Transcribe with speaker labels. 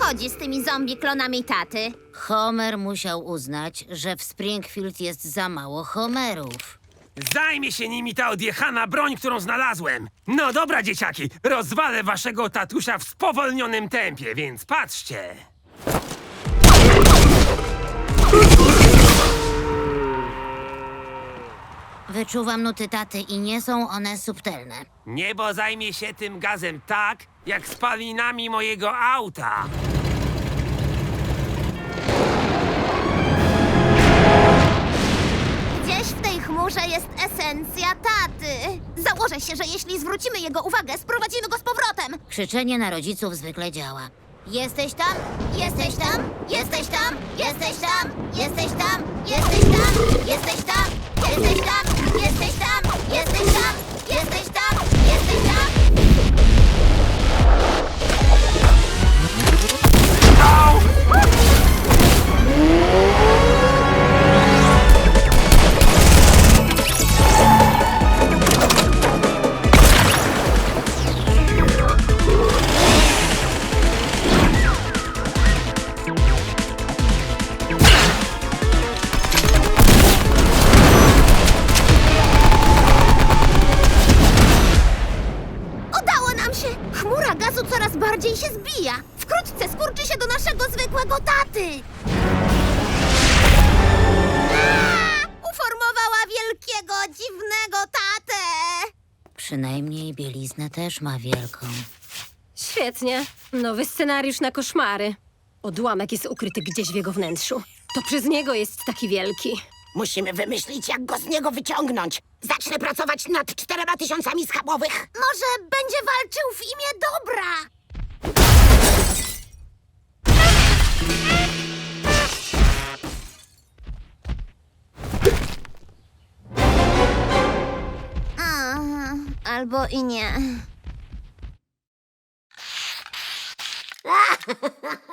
Speaker 1: chodzi z tymi zombie klonami taty?
Speaker 2: Homer musiał uznać, że w Springfield jest za mało Homerów.
Speaker 3: Zajmie się nimi ta odjechana broń, którą znalazłem. No dobra, dzieciaki, rozwalę waszego tatusia w spowolnionym tempie, więc patrzcie.
Speaker 2: Wyczuwam nuty taty i nie są one subtelne.
Speaker 3: Niebo zajmie się tym gazem tak, jak spalinami mojego auta.
Speaker 1: Gdzieś w tej chmurze jest esencja taty. Założę się, że jeśli zwrócimy jego uwagę, sprowadzimy go z powrotem.
Speaker 2: Krzyczenie na rodziców zwykle działa.
Speaker 1: Jesteś tam? Jesteś tam? Jesteś tam? Jesteś tam? Jesteś tam? Jesteś tam? Jesteś tam? Jesteś tam? Jesteś tam? Jesteś tam? Jesteś tam? Jesteś tam? Udało nam się! Chmura gazu coraz bardziej się zbija. Wkrótce skurczy się do naszego zwykłego taty. Uformowała wielkiego, dziwnego tatę.
Speaker 2: Przynajmniej bieliznę też ma wielką.
Speaker 4: Świetnie. Nowy scenariusz na koszmary. Odłamek jest ukryty gdzieś w jego wnętrzu. To przez niego jest taki wielki.
Speaker 5: Musimy wymyślić, jak go z niego wyciągnąć. Zacznę pracować nad 4000 schabowych.
Speaker 1: Może będzie walczył w imię dobra. Albo i nie.